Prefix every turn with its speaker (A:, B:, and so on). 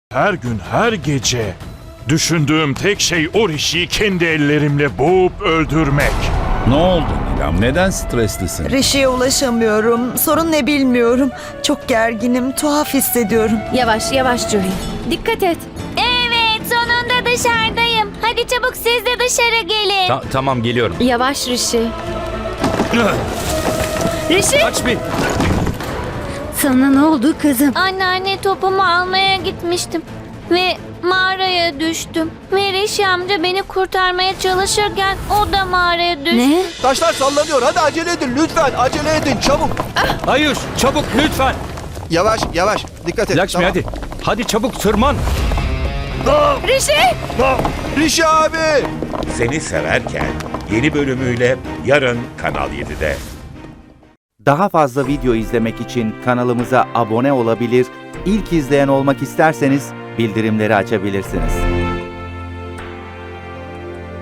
A: Her gün, her gece düşündüğüm tek şey o Rishi'yi kendi ellerimle boğup öldürmek.
B: Ne oldu Nilam? Neden streslisin?
C: Rishi'ye ulaşamıyorum. Sorun ne bilmiyorum. Çok gerginim, tuhaf hissediyorum.
D: Yavaş yavaş Julie. Dikkat et.
E: Evet, sonunda dışarıdayım. Hadi çabuk siz de dışarı gelin.
F: Tamam geliyorum.
D: Yavaş Rishi. Rishi!
F: Kaç bir.
D: Sana ne oldu kızım?
E: Anneanne, topumu almaya gitmiştim. Ve mağaraya düştüm. Ve Rishi amca beni kurtarmaya çalışırken o da mağaraya düştü.
D: Ne?
G: Taşlar sallanıyor. Hadi acele edin lütfen. Acele edin çabuk.
F: Hayır çabuk lütfen.
G: Yavaş yavaş. Dikkat et.
F: Lakshmi hadi. Hadi çabuk tırman.
D: Rishi!
G: Rishi abi.
H: Seni Severken yeni bölümüyle yarın Kanal 7'de.
I: Daha fazla video izlemek için kanalımıza abone olabilir, ilk izleyen olmak isterseniz bildirimleri açabilirsiniz.